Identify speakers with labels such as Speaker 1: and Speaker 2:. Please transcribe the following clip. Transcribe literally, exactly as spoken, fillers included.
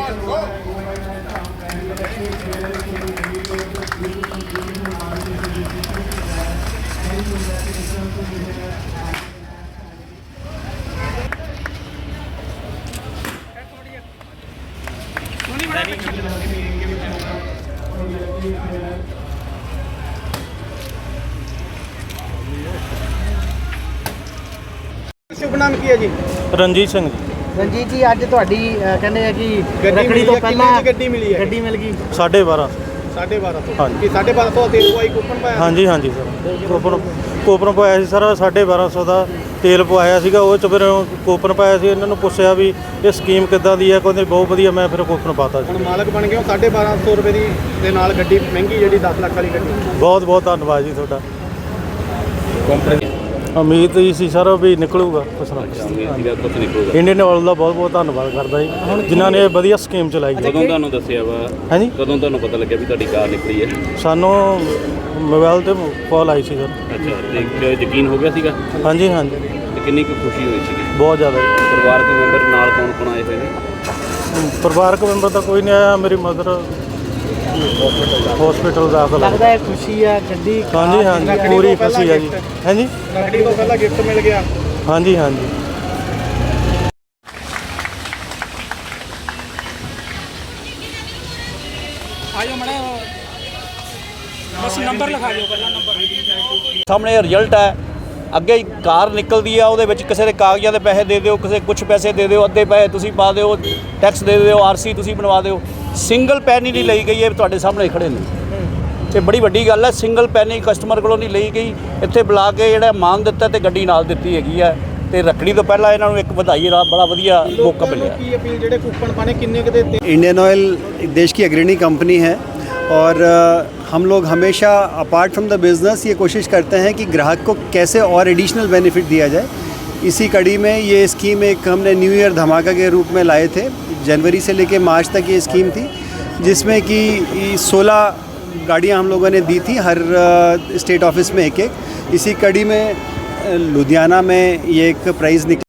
Speaker 1: शुभ नाम की है जी?
Speaker 2: रंजीत सिंह जी।
Speaker 3: रंजीत जी अज तुहाडी कहने हैं कि
Speaker 1: गड्डी
Speaker 3: रखड़ी तो पहला
Speaker 1: गड्डी मिली है,
Speaker 3: गड्डी मिल गई
Speaker 2: साढ़े बारह
Speaker 1: साढ़े बारह सौ
Speaker 2: हाँ
Speaker 1: कि साढ़े बारह सौ तेल पवाई कूपन पाया?
Speaker 2: हाँ जी हाँ जी सर ਕੋਪਨ ਕੋਪਨ ਪਾਇਆ ਸੀ ਸਰ ਸਾਢੇ ਬਾਰਾਂ ਸੌ ਦਾ ਤੇਲ ਪਵਾਇਆ ਸੀਗਾ। ਉਹ 'ਚ ਫਿਰ ਕੋਪਨ ਪਾਇਆ ਸੀ। ਇਹਨਾਂ ਨੂੰ ਪੁੱਛਿਆ ਵੀ ਇਹ ਸਕੀਮ ਕਿੱਦਾਂ ਦੀ ਹੈ, ਕਹਿੰਦੇ ਬਹੁਤ ਵਧੀਆ। ਮੈਂ ਫਿਰ ਕੋਪਨ ਪਾਤਾ
Speaker 1: ਹੁਣ ਮਾਲਕ ਬਣ ਗਏ ਹੋ ਸਾਢੇ ਬਾਰਾਂ ਸੌ ਰੁਪਏ ਦੀ ਦੇ ਨਾਲ ਗੱਡੀ ਮਹਿੰਗੀ ਜਿਹੜੀ ਦਸ ਲੱਖ ਵਾਲੀ ਗੱਡੀ।
Speaker 2: ਬਹੁਤ ਬਹੁਤ ਧੰਨਵਾਦ ਜੀ ਤੁਹਾਡਾ। ਉਮੀਦ ਹੀ ਸੀ ਸਰ ਵੀ ਨਿਕਲੂਗਾ ਕੁਛ ਨਾ ਕੁਛ। ਇੰਡੀਅਨ ਆਇਲ ਦਾ ਬਹੁਤ ਬਹੁਤ ਧੰਨਵਾਦ ਕਰਦਾ ਜੀ ਜਿਨ੍ਹਾਂ ਨੇ ਵਧੀਆ ਸਕੀਮ ਚਲਾਈ।
Speaker 4: ਕਦੋਂ ਤੁਹਾਨੂੰ ਦੱਸਿਆ ਵਾ?
Speaker 2: ਹਾਂਜੀ
Speaker 4: ਕਦੋਂ ਤੁਹਾਨੂੰ ਪਤਾ ਲੱਗਿਆ ਵੀ ਤੁਹਾਡੀ ਕਾਰ ਨਿਕਲੀ ਹੈ?
Speaker 2: ਸਾਨੂੰ ਮੋਬਾਈਲ ਤੇ ਕਾਲ ਆਈ ਸੀ ਸਰ।
Speaker 4: ਅੱਛਾ, ਤੇ ਯਕੀਨ ਹੋ ਗਿਆ ਸੀਗਾ?
Speaker 2: ਹਾਂਜੀ ਹਾਂਜੀ
Speaker 4: ਤੇ ਕਿੰਨੀ ਕੁ ਖੁਸ਼ੀ ਹੋਈ ਸੀਗੀ?
Speaker 2: ਬਹੁਤ ਜ਼ਿਆਦਾ ਜੀ।
Speaker 4: ਪਰਿਵਾਰਕ ਮੈਂਬਰ ਨਾਲ ਕੌਣ ਕੌਣ ਆਏ ਹੋਏ ਨੇ?
Speaker 2: ਪਰਿਵਾਰਕ ਮੈਂਬਰ ਤਾਂ ਕੋਈ ਨਹੀਂ ਆਇਆ। ਮੇਰੀ ਮਦਰ ਹਸਪੀਟਲ ਦਾਖਲ
Speaker 3: लगता है खुशी है गड्डी
Speaker 2: ਹਾਂਜੀ ਹਾਂਜੀ ਪੂਰੀ ਖੁਸ਼ੀ ਹੈ ਜੀ। ਹਾਂਜੀ
Speaker 1: ਗੱਡੀ ਤੋਂ ਪਹਿਲਾਂ ਗਿਫਟ ਮਿਲ ਗਿਆ।
Speaker 2: ਹਾਂਜੀ ਹਾਂਜੀ
Speaker 5: ਆਜੋ ਮੜਾ ਬਸ ਨੰਬਰ ਲਿਖਾ ਦਿਓ ਪਹਿਲਾਂ ਨੰਬਰ
Speaker 6: ਸਾਹਮਣੇ ਰਿਜ਼ਲਟ ਹੈ। ਅੱਗੇ ਹੀ ਕਾਰ ਨਿਕਲਦੀ ਆ, ਉਹਦੇ ਵਿੱਚ ਕਿਸੇ ਦੇ ਕਾਗਜ਼ਾਂ ਦੇ ਪੈਸੇ ਦੇ ਦਿਓ, ਕਿਸੇ ਕੁਝ ਪੈਸੇ ਦੇ ਦਿਓ, ਅੱਧੇ ਪੈਸੇ ਤੁਸੀਂ ਪਾ ਦਿਓ, ਟੈਕਸ ਦੇ ਦਿਓ, ਆਰਸੀ ਤੁਸੀਂ ਬਣਵਾ ਦਿਓ। ਸਿੰਗਲ ਪੈਨੀ ਨਹੀਂ ਲਈ ਗਈ। ਇਹ ਤੁਹਾਡੇ ਸਾਹਮਣੇ ਖੜੇ ਨੇ। ਇਹ ਬੜੀ ਵੱਡੀ ਗੱਲ ਹੈ। ਸਿੰਗਲ ਪੈਨੀ ਕਸਟਮਰ ਕੋਲੋਂ ਨਹੀਂ ਲਈ ਗਈ। ਇੱਥੇ ਬੁਲਾ ਕੇ ਜਿਹੜਾ ਮਾਨ ਦਿੱਤਾ ਤੇ ਗੱਡੀ ਨਾਲ ਦਿੱਤੀ ਹੈਗੀ ਹੈ। ਤੇ ਰੱਖੜੀ ਤੋਂ ਪਹਿਲਾਂ ਇਹਨਾਂ ਨੂੰ ਇੱਕ ਵਧਾਈ ਦਾ ਬੜਾ ਵਧੀਆ ਮੌਕਾ ਮਿਲਿਆ।
Speaker 1: ਕੀ ਅਪੀਲ ਜਿਹੜੇ ਕੂਪਨ ਪਾਣੇ ਕਿੰਨੇ ਕੁ ਦੇ?
Speaker 7: इंडियन ऑयल देश की अग्रणी कंपनी है और हम लोग हमेशा अपार्ट फ्रॉम द बिज़नेस ये कोशिश करते हैं कि ग्राहक को कैसे और एडिशनल बेनिफिट दिया जाए। इसी कड़ी में ये स्कीम एक हमने न्यू ईयर धमाका के रूप में लाए थे। जनवरी से लेकर मार्च तक ये स्कीम थी जिसमें कि सोलह गाड़ियाँ हम लोगों ने दी थी हर स्टेट ऑफिस में एक एक। इसी कड़ी में लुधियाना में ये एक प्राइज़ निकला।